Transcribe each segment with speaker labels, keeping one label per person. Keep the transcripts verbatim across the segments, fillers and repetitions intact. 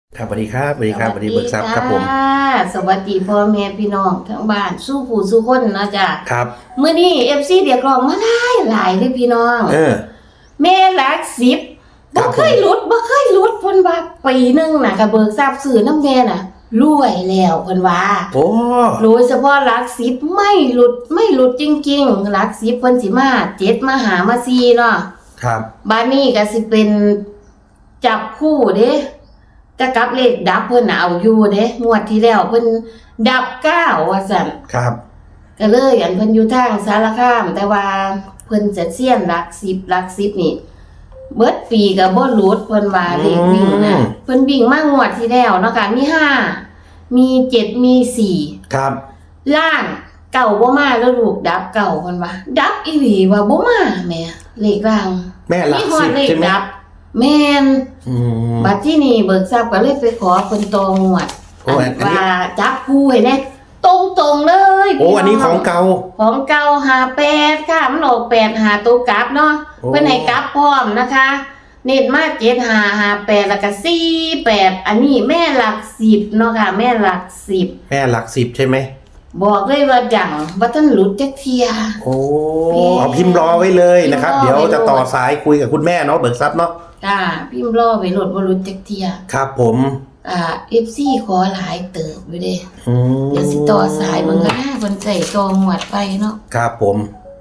Speaker 1: ครับสวัสดีครับสวัสดีครับสวัสดีเบิกทรัพย์ครับผม
Speaker 2: สวัสดีพ่อแม่พี่น้องทั้งบ้านสู้ผู้สู้คนเนาะจ้ะ
Speaker 1: ครับ
Speaker 2: มื้อนี้ เอฟ ซี เรียกร้องมาหลายหลายเด้อพี่น้อง
Speaker 1: เออ
Speaker 2: แม่หลักสิบบ่เคยหลุดบ่เคยหลุดเพิ่นว่าปีนึงน่ะก็เบิกทรัพย์ซื้อน้ำแม่น่ะรวยแล้วเพิ่นว่า
Speaker 1: โอ้
Speaker 2: โดยเฉพาะหลักสิบไม่หลุดไม่หลุดจริงๆหลักสิบเพิ่นสิมาเจ็ดมาหามาสี่เนาะ
Speaker 1: ครับ
Speaker 2: บัดนี้ก็สิเป็นจับคู่เด้จะกลับเลขดับเพิ่นน่ะเอาอยู่เด้งวดที่แล้วเพิ่นดับเก้าว่าซั่น
Speaker 1: ครับ
Speaker 2: ก็เลยอันเพิ่นอยู่ทางสารคามแต่ว่าเพิ่นจะเซียนหลักสิบหลักสิบนี่เบิดปีก็บ่หลุดเพิ่นว่าเลขวิ่งน่ะเพิ่นวิ่งมางวดที่แล้วเนาะค่ะมีห้ามีเจ็ดมีสี่
Speaker 1: ครับ
Speaker 2: ล่างเก่าบ่มาแล้วลูกดับเก่าเพิ่นว่าดับอีหลีว่าบ่มาแม่เลขล่าง
Speaker 1: แม่หลักสิบใช่มั้ย
Speaker 2: แม่น
Speaker 1: อืม
Speaker 2: บัดที่นี่เบิกทรัพย์ก็เลยไปขอเพิ่นตองวดว่าจับคู่ให้แน่ตรงๆเลย
Speaker 1: โอ้อันนี้ของเก่า
Speaker 2: ของเก่าห้าแปดค่ะมันออกแปดหาตัวกลับเนาะเพิ่นให้กลับพร้อมนะคะเน้นมาเจ็ดห้า ห้าแปดแล้วก็สี่แปดอันนี้แม่หลักสิบเนาะค่ะแม่หลักสิบ
Speaker 1: แม่หลักสิบใช่ไหม
Speaker 2: บอกเลยว่าจังว่าท่านหลุดจักเที่ย
Speaker 1: โอ้เอาพิมพ์รอไว้เลยนะครับเดี๋ยวจะต่อสายคุยกับคุณแม่เนาะเบิกทรัพย์เนาะ
Speaker 2: จ้าพิมพ์รอไว้โหลดบ่หลุดจักเที่ย
Speaker 1: ครับผม
Speaker 2: อ่า เอฟ ซี ขอหลายเติบอยู่เด้
Speaker 1: อืม
Speaker 2: เดี๋ยวสิต่อสายมึงก็ได้เพิ่นใส่ตองหวดไปเนาะ
Speaker 1: ครับผม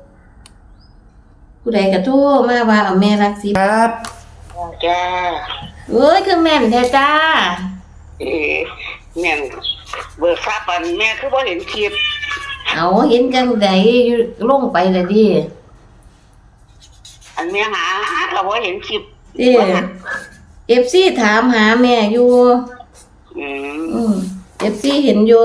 Speaker 2: ผู้ใดก็โทรมาว่าเอาแม่รักสิ
Speaker 1: ครับ
Speaker 3: จ้า
Speaker 2: เอ้ยคือแม่นแท้จ้า
Speaker 3: เอ๋แม่นเบิกทราบปันแม่คือบ่เห็นคลิป
Speaker 2: เอาเห็นจังไดลงไปแล้วดิ
Speaker 3: อันแม่หาก็บ่เห็นคลิป
Speaker 2: เด้ เอฟ ซี ถามหาแม่อยู่
Speaker 3: อืม
Speaker 2: อืม เอฟ ซี เห็นอยู่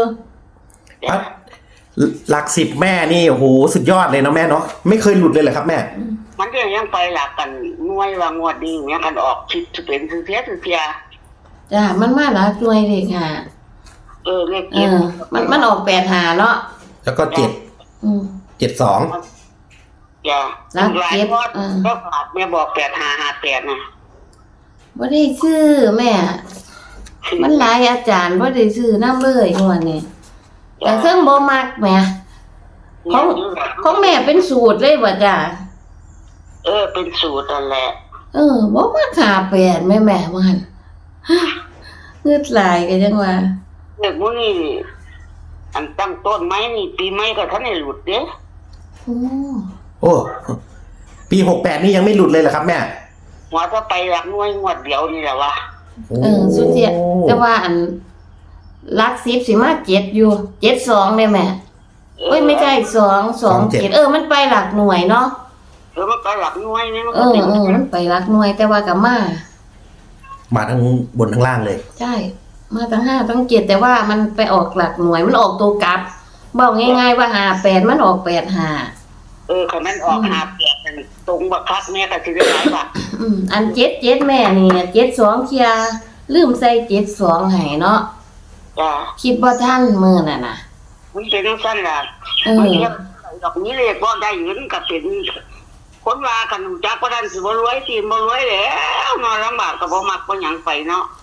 Speaker 1: หลักสิบแม่นี่โอ้โหสุดยอดเลยเนาะแม่เนาะไม่เคยหลุดเลยเหรอครับแม่
Speaker 3: มันก็ยังไปหลักกันหน่วยว่างวดนี้เนี่ยกันออกคลิปจะเป็นคือเพียคือเพีย
Speaker 2: จ้ามันมาหลักหน่วยเลขห้า
Speaker 3: เออเลขเจ็ด
Speaker 2: มันมันออกแปดห้าเนาะ
Speaker 1: แล้วก็เจ็ด
Speaker 2: อืม
Speaker 1: เจ็ดสอง
Speaker 3: จ้าลักเจ็ดก็ขาดแม่บอกแปดห้าห้าแปดนะ
Speaker 2: บ่ได้ซื้อแม่มันหลายอาจารย์บ่ได้ซื้อนำเลยงวดนี้แต่เครื่องบ่มักแม่ของของแม่เป็นสูตรเลยบ่จ้า
Speaker 3: เออเป็นสูตรนั่นแหละ
Speaker 2: เออบ่มักห้าแปดแม่แม่ว่าหั่นเงืดหลายก็จังว่า
Speaker 3: เด็กมื้อนี้อันตั้งต้นไม้นี่ปีใหม่ก็ทันได้หลุดเด้
Speaker 2: โอ้
Speaker 1: โอ้ปีหกแปดนี่ยังไม่หลุดเลยเหรอครับแม่
Speaker 3: หัวก็ไปหลักหน่วยงวดเดียวนี่แหละวะ
Speaker 2: เออสุดเสียแต่ว่าอันหลักสิบสิมาเจ็ดอยู่เจ็ดสองได้แม่เอ้ยไม่ใช่สองสองเจ็ดเออมันไปหลักหน่วยเนาะ
Speaker 3: เออมันไปหลักหน่วยนี่มัน
Speaker 2: เออเออมันไปหลักหน่วยแต่ว่ากับมา
Speaker 1: มาทั้งบนทั้งล่างเลย
Speaker 2: ใช่มาทั้งห้าทั้งเจ็ดแต่ว่ามันไปออกหลักหน่วยมันออกตัวกลับบอกง่ายๆว่าห้าแปดมันออกแปดห้า
Speaker 3: เออคันนั้นออกห้าแปดกันตรงบักคักแม่ก็สิได้หลายบาท
Speaker 2: อืมอันเจ็ดเจ็ดแม่นี่เจ็ดสองเคลียร์ลืมใส่เจ็ดสองให้เนาะ
Speaker 3: จ้า
Speaker 2: คิดว่าท่านมื้อน่ะน่ะ
Speaker 3: มันเป็นจังซั่นล่ะ
Speaker 2: เออ
Speaker 3: ดอกนี้เลขบ่ได้เงินก็เป็นคนว่ากันจักบ่ทันสิบ่รวยสิบ่รวยแล้วนอนลำบากก็บ่มักบ่หยังไปเนาะ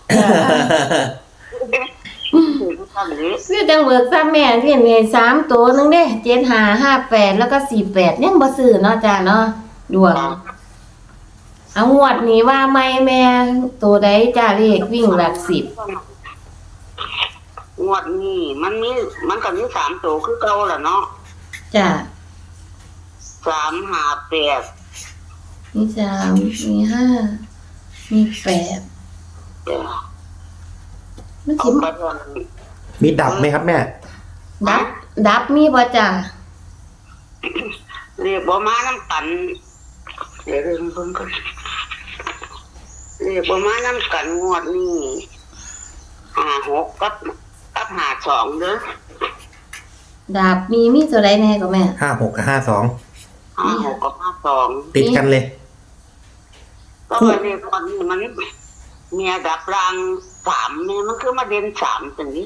Speaker 2: ซื้อจังเบิกซ้ำแม่ที่มีสามตัวนึงเด้เจ็ดห้า ห้าแปดแล้วก็สี่แปดยังบ่ซื้อเนาะจ้าเนาะดวงเอางวดนี้ว่าไม่แม่ตัวใดจ้าเลขวิ่งหลักสิบ
Speaker 3: งวดนี้มันมีมันก็มีสามตัวคือเก่าล่ะเนาะ
Speaker 2: จ้า
Speaker 3: สาม ห้า แปด
Speaker 2: มีสามมีห้ามีแปดมันสิ
Speaker 1: มีดับไหมครับแม่
Speaker 2: ดับดับมีบ่จ้า
Speaker 3: เรียกบ่มาน้ำกันเดี๋ยวเรื่องเพิ่นก่อนเรียกบ่มาน้ำกันงวดนี้ห้า หกกับกับห้า สองเด้อ
Speaker 2: ดับมีมีตัวใดแน่ก็แม่
Speaker 1: ห้า หกกับห้า สอง
Speaker 3: ห้า หกกับห้า สอง
Speaker 1: ติดกันเลย
Speaker 3: ก็ว่าเรียกวันนี้มันเมียดับรางสามเนี่ยมันคือมาเด่นสามตรงนี้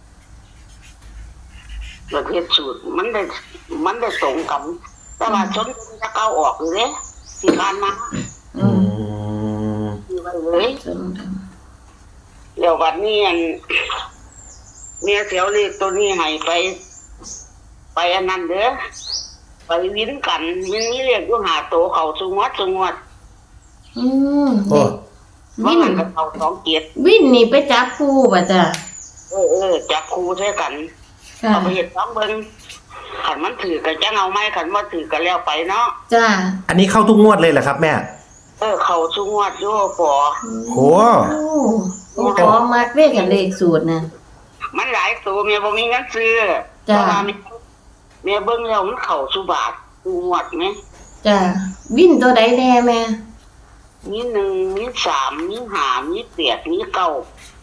Speaker 3: ประเภทสูตรมันได้มันได้ตรงกันแต่ว่าชนจะเก้าออกเลยที่ผ่านมา
Speaker 1: อืม
Speaker 3: เลยเลดี๋ยววันนี้อันเมียเสียวเลขตัวนี้ให้ไป ไปอันนั้นเด้อไปวินกันมันมีเลขอยู่หาโตเขาสุงวดสุงวด
Speaker 2: อืม
Speaker 1: โอ้
Speaker 3: ว่า
Speaker 2: วิ่น
Speaker 3: มันกับเขาสองเกียรติ
Speaker 2: วิ่นนี่ไปจับคู่ป่ะจ้ะ
Speaker 3: เออเออจับครูใช้กัน
Speaker 2: ค่ะ
Speaker 3: เอาไปเห็ดซ้ำเบิ้งขันมันถือกันจะเอาไม้ขันว่าถือกันแล้วไปเนาะ
Speaker 2: จ้ะ
Speaker 1: อันนี้เข้าทุกงวดเลยเหรอครับแม่
Speaker 3: เออเขาสุงวดอยู่ปอ
Speaker 1: โอ้
Speaker 2: โอ้โอ้ขอมากเลขกับเลขสูตรนะ
Speaker 3: มันหลายตัวเมียบ่มีเงินซื้อ
Speaker 2: จ้ะ
Speaker 3: เพราะว่าเมียเมียเบิ้งแล้วมันเข่าสุบาทสุงวดไหม
Speaker 2: จ้ะวิ่นตัวใดแน่แม่
Speaker 3: มีหนึ่งมีสามมีห้ามีแปดมีเก้า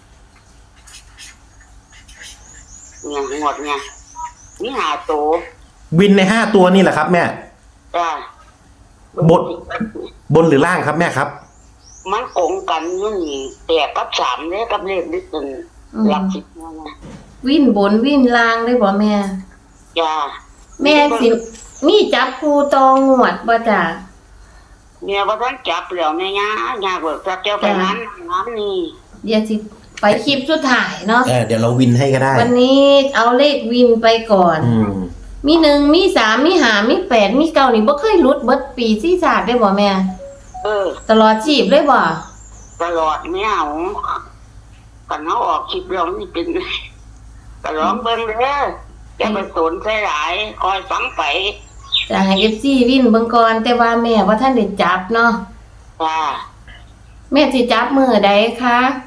Speaker 3: เนี่ยงวดเนี่ยมีห้าตัว
Speaker 1: วินในห้าตัวนี่แหละครับแม่
Speaker 3: จ้ะ
Speaker 1: บท บนหรือล่างครับแม่ครับ
Speaker 3: มันโกงกันอยู่นี่แปดกับสามเนี่ยกับเลขนิดหนึ่งหลักสิบเนี่ยนะ
Speaker 2: วิ่นบนวิ่นล่างได้บ่แม่
Speaker 3: จ้า
Speaker 2: แม่สิมีจับคู่ตองงวดบ่จ้ะ
Speaker 3: เมียว่าท่านจับแล้วแม่ย่าย่าเบิกจับเจ้าไปงานงานนี่
Speaker 2: เดี๋ยวสิไปคลิปสุดท้ายเนาะ
Speaker 1: เออเดี๋ยวเราวินให้ก็ได้
Speaker 2: วันนี้เอาเลขวินไปก่อน
Speaker 1: อืม
Speaker 2: มีหนึ่งมีสามมีห้ามีแปดมีเก้านี่บ่เคยหลุดเบิดปีที่ศาสตร์ได้บ่แม่
Speaker 3: เออ
Speaker 2: ตลอดชีพเลยบ่
Speaker 3: ตลอดไม่เอากันเขาออกคลิปแล้วนี่เป็นก็ร้องเบิ้งเด้อจะไปสนใส่หลายคอยฟังไป
Speaker 2: จะให้ เอฟ ซี วินเบิ่งก่อนแต่ว่าแม่ว่าท่านได้จับเนาะ
Speaker 3: จ้า
Speaker 2: แม่สิจับมื้อใดคะ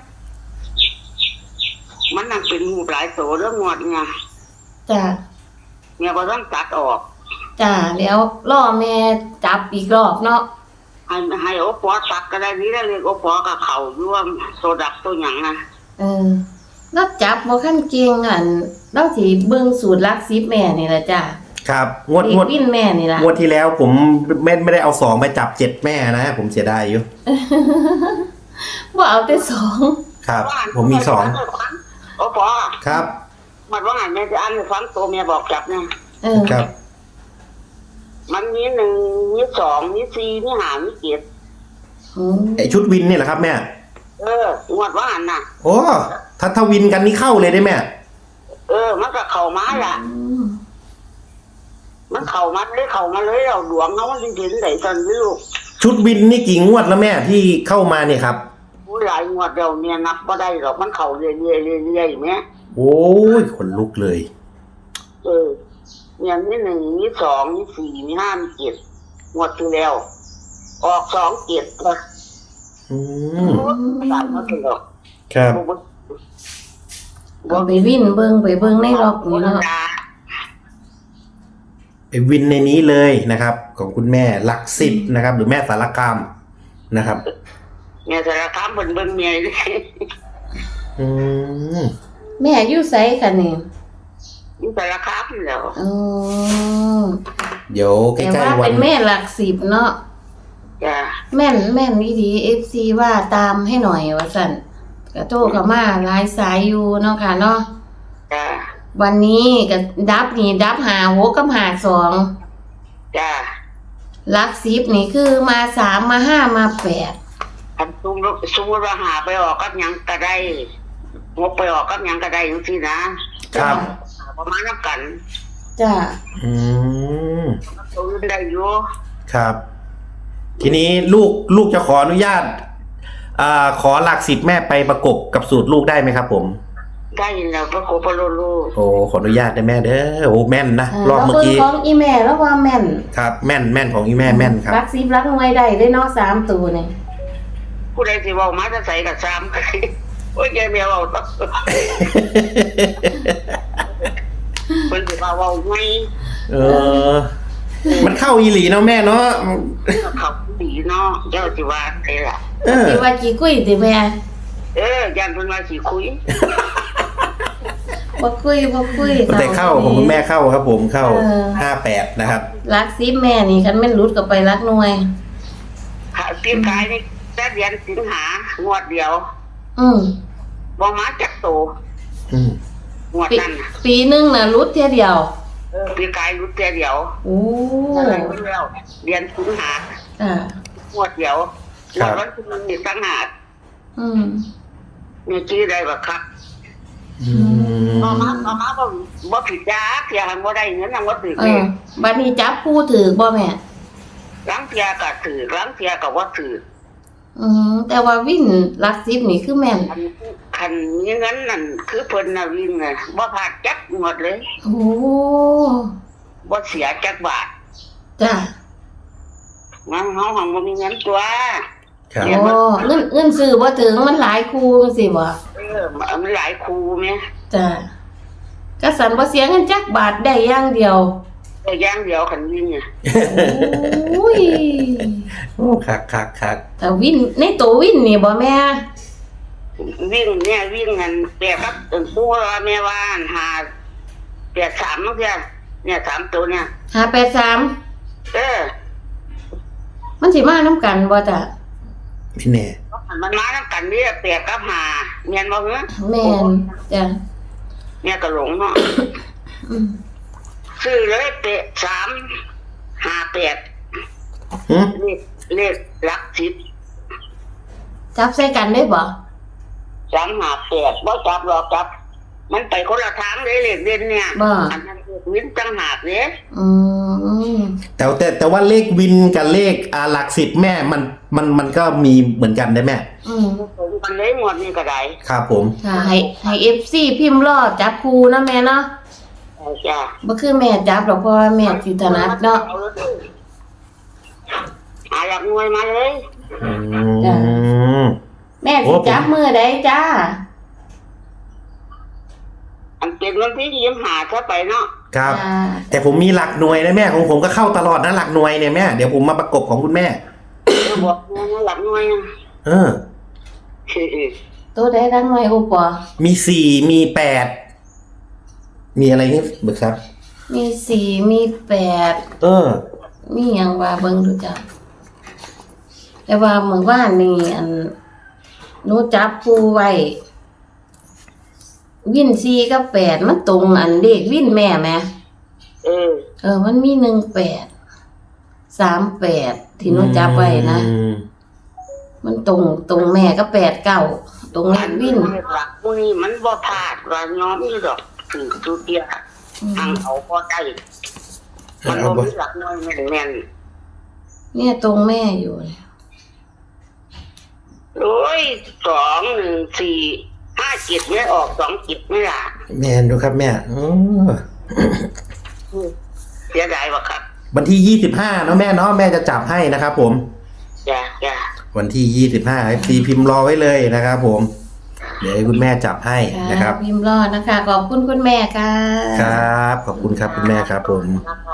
Speaker 3: มันนั่งเป็นหูหลายโสเรื่องงวดไง
Speaker 2: จ้ะ
Speaker 3: เมียว่าท่านตัดออก
Speaker 2: จ้ะแล้วรอแม่จับอีกรอบเนาะ
Speaker 3: ให้ให้โอปอตัดก็ได้นี่แล้วเรียกโอปอกับเขาร่วมโซดับตัวหยังนะ
Speaker 2: เออแล้วจับบ่คันเก่งอันเราสิเบิ่งสูตรหลักสิบแม่นี่ล่ะจ้ะ
Speaker 1: ครับงวด
Speaker 2: เล
Speaker 1: ง
Speaker 2: ข
Speaker 1: วด
Speaker 2: วินแม่นี่ล่ะ
Speaker 1: งวดที่แล้วผมไม่ไม่ได้เอาสองไปจับเจ็ดแม่นะ ผมเสียดายอยู่
Speaker 2: บ่เอาแต่สอง
Speaker 1: ครับ ผมมีสอง
Speaker 3: โอปอ
Speaker 1: ครับ
Speaker 3: มันว่าไงแม่จะอ่านให้ฟังตัวเมียบอกจับเนี่ย
Speaker 2: เออ
Speaker 1: ครับ
Speaker 3: มันมีหนึ่งมีสองมีสี่มีห้ามีเจ็ด
Speaker 2: อืม
Speaker 1: ไอชุดวินนี่แหละครับแม่
Speaker 3: เอองวดว่าอันน่ะ
Speaker 1: โอ้ถ้าถ้าวินกันนี่เข้าเลยได้แม่
Speaker 3: เออ มันก็เข่ามาละ
Speaker 2: อืม
Speaker 3: มันเข่ามาเลยเข่ามาเลยเราดวงเขามันจริงๆไหนตอนนี้ลูก
Speaker 1: ชุดวินนี่กี่งวดแล้วแม่ที่เข้ามาเนี่ยครับ
Speaker 3: ผู้หลายงวดเดียวเนี่ยนับก็ได้หรอกมันเข่าเรื่อยๆเรื่อยๆเรื่อยๆไหม
Speaker 1: โอ้ยขนลุกเลย
Speaker 3: เออเนี่ยมีหนึ่งมีสองมีสี่มีห้ามีเจ็ดงวดที่แล้ว ออกสองเจ็ดก็
Speaker 1: อืม
Speaker 3: ตายมาตลอด
Speaker 1: ครับ
Speaker 2: เอาไปวินเบิ่งไปเบิ่งในล็อกนี่เนาะ
Speaker 1: ไอวินในนี้เลยนะครับ ของคุณแม่หลักสิบนะครับ หรือแม่สารคามนะครับ
Speaker 3: เนี่ยสารคามเบิ่งเบิ่งเมียเลย
Speaker 1: อืม
Speaker 2: แม่อยู่ไสคะนี่
Speaker 3: นี่สารคามแล้ว
Speaker 2: อืม
Speaker 1: เดี๋ยวใก
Speaker 2: แต่
Speaker 1: ล้
Speaker 2: ว่า
Speaker 1: ๆวั
Speaker 2: เป็น นแม่หลักสิบเนาะ
Speaker 3: จ้า
Speaker 2: แม่นแม่นดีดีเอฟซีว่าตามให้หน่อยว่าสั่นกระโทรเข้ามาหลายสายอยู่เนาะค่ะเนาะ
Speaker 3: จ้า
Speaker 2: วันนี้ก็ดับนี่ดับหาหกกับหาสอง
Speaker 3: จ้า
Speaker 2: หลักสิบนี่คือมาสามมาห้ามาแปด
Speaker 3: ทำซุ้มซุ้มว่าหาไปออกกับหยังก็ได้งบไปออกกับหยังก็ได้อย่างที่นะครับ ประมาณนั้นกัน
Speaker 2: จ้า
Speaker 1: อืม
Speaker 3: ตัวอื่นได้อยู่
Speaker 1: ครับ ทีนี้ลูกลูกจะขออนุญาตอ่าขอหลักสิบแม่ไปประกบกับสูตรลูกได้ไหมครับผม
Speaker 3: ได้ยินแล้วก็โคปโลลู
Speaker 1: โอ้ขออนุญาตได้แม่เด้อโอ้แม่นนะ
Speaker 2: าร
Speaker 1: อบเมื่อกี้
Speaker 2: ราบิ่งของอีแม่แล้วว่าแม่น
Speaker 1: ครับ แม่นแม่นของอีแม่แม่นครับ
Speaker 2: หลักสิบหลักหน่วยได้ได้เนาะสามตัวนี่
Speaker 3: ผู้ใดสิเว่ามาจะใส่กับซ้ำ โอ้ยแกเมียเว่าต้องเพิ่นสิว่าเว่าไง
Speaker 1: เออ มันเข้าอีหลีเนาะแม่เนาะ
Speaker 3: เขาดีเนาะเจ้าสิว่าไอ้ล่ะ
Speaker 1: เออ
Speaker 2: สิว่ากี่กุ้ยติแม่
Speaker 3: เออยันเพิ่นว่าสิคุย
Speaker 2: บ่คุยบ่คุย
Speaker 1: แต่เข้าของคุณแม่เข้าครับ ผมเข้าห้าแปดนะครับ
Speaker 2: หลักสิบแม่นี่คันแม่นหลุดก็ไปหลักหน่วย
Speaker 3: หาตีนกายนี่แต่เดือนสิงหางวดเดียว
Speaker 2: อืม
Speaker 3: บ่มาจักโต
Speaker 1: อืม
Speaker 3: งวด
Speaker 2: ปี
Speaker 3: นั้นน่ะ
Speaker 2: ปีหนึงน่ะหลุดเที่ยเดียว
Speaker 3: เออตีนกายรู้แต่เดียว
Speaker 2: โอ้
Speaker 3: อะไรเพิ่นแล้วเดือนสิงหา
Speaker 2: อ่า
Speaker 3: งวดเดียวงวดวันที่หนึ่งนี่ต่างหาก
Speaker 2: อืม
Speaker 3: เนี่ยชื่อได้บ่ครับ
Speaker 1: อืม
Speaker 3: มามามามาบ่บ่ผิดจ้าเพียหันบ่ได้เงินนำบ่ถือ
Speaker 2: เอ
Speaker 3: เล
Speaker 2: อบัดนี้จับผู้ถือบ่แม่
Speaker 3: ล้างเพียก็ถือล้างเพียก็บ่ถือ
Speaker 2: อืมแต่ว่าวินหลักสิบนี่คือแม่น
Speaker 3: คันคันมีเงินนั่นคือเพิ่นน่ะวิ่งน่ะบ่พลาดจักงวดเลย
Speaker 2: โอ้
Speaker 3: บ่เสียจักบาท
Speaker 2: จ้ะ
Speaker 3: งั้นเฮาหังบ่มีเงินตัว
Speaker 1: ครับ
Speaker 2: โอ้เงินเงินซื้อบ่ถึงมันหลายคู่จังซี่บ่
Speaker 3: เออมันหลายครูแม่
Speaker 2: จ้ะก็สันบ่เสียเงินจักบาทได้อย่างเดียว
Speaker 3: แต่อย่างเดียวคันวิ่งน่ะ
Speaker 2: โอ้ย
Speaker 1: โอ้คักคักคัก
Speaker 2: แต่วินในตัววินนี่บ่แม่
Speaker 3: วิ่งเนี่ยวิ่งกันแปลครับตึงปูว่าแม่ว่าหาแปดสามมั้งเพียเนี่ยสามตัวเนี่ย
Speaker 2: ห้าแปดสาม
Speaker 3: เออ
Speaker 2: มันสิมานํกันบ่จ้ะ
Speaker 1: ไม่แน่
Speaker 3: มันมาน้ำกันเนี่ยแปดกับหาเมียนบ่เหรอ
Speaker 2: แม่นจ้ะ
Speaker 3: เนี่ยก็หลงเนาะ
Speaker 2: อืม
Speaker 3: ซื้อเลยแปดสามหาแปด
Speaker 1: หึ
Speaker 3: เลขเลขหลักสิบ
Speaker 2: จับใส่กันได้บ่
Speaker 3: สามหาแปดบ่จับหรอกจับ มันไปคนละทางเลยเลขเด่นเนี่ยอันนั้นเลขวินจังหากเนี่ย
Speaker 2: อืม
Speaker 1: แต่แต่แต่ว่าเลขวินกับเลขอ่าหลักสิบแม่มันมันมันก็มีเหมือนกันได้แม่
Speaker 2: อืม
Speaker 3: มันเลยหมดนี่ก็ได้
Speaker 1: ครับผม
Speaker 2: ค่ะให้ให้ เอฟ ซี พิมพ์รอจับคู่เนาะแม่เนาะ
Speaker 3: เอาจ้ะ
Speaker 2: บ่คือแม่จับหรอกเพราะว่าแม่สิถนัดเนาะ
Speaker 3: หาหลักหน่วยมาเลย
Speaker 1: อื
Speaker 2: จ้ะ
Speaker 1: ม
Speaker 2: แม่สิจับมือใดจ้า
Speaker 3: อันเป็นวันที่ยิ้มหาเข้าไปเนาะ
Speaker 1: ครับ
Speaker 2: จ้า
Speaker 1: แต่ผมมีหลักหน่วยนะแม่ของผมก็เข้าตลอดนะหลักหน่วยเนี่ยแม่เดี๋ยวผมมาประกบของคุณแม่
Speaker 3: เออบอกเงินหลักหน่วยนะ
Speaker 1: เออ
Speaker 2: ตัวใดดังหน่อยโอปอ
Speaker 1: มีสี่มีแปดมีอะไรนี่เบิกครับ
Speaker 2: มีสี่มีแปด
Speaker 1: เออ
Speaker 2: มีหยังว่าเบิ่งดูจ้ะแต่ว่าเมื่อวานนี่อันหนูจับคู่ไว้วินสี่กับแปดมันตรงอันเลขวินแม่แหม
Speaker 3: เออ
Speaker 2: เออ มันมีหนึ่งแปดสามแปดที่หนูจับไว้นะ
Speaker 1: อืม
Speaker 2: มันตรงตรงแม่ก็แปดเก้าตรงเลขวิน
Speaker 3: หลักมือนี่มันบ่พลาดว่าย้อมนี่ดอกถือทุเดีย
Speaker 2: อื
Speaker 3: ทาง
Speaker 2: ม
Speaker 3: เขาพอได้มัน
Speaker 1: เอา
Speaker 3: บ่
Speaker 1: บ่
Speaker 3: มีหลักหน่วยแม่น
Speaker 2: เนี่ยตรงแม่อยู่เนี่ย
Speaker 3: ๆโอ้ยสองหนึ่งสี่ห้าจิตไม่ออกสองจิตไม่ละ
Speaker 1: แม่ดูครับแม่เออ
Speaker 3: เสียดายว่ะครับ
Speaker 1: วันที่ยี่สิบห้าเนาะแม่เนาะแม่จะจับให้นะครับผม
Speaker 3: จ้ะจ้ะ
Speaker 1: วันที่ยี่สิบห้าเอฟซีพิมพ์รอไว้เลยนะครับผม เดี๋ยวให้คุณแม่จับให้นะครับ
Speaker 2: พิมพ์รอดนะคะ ขอบคุณคุณแม่ค่ะ
Speaker 1: ครับ ขอบคุณครับคุณแม่ครับผม
Speaker 3: ครับ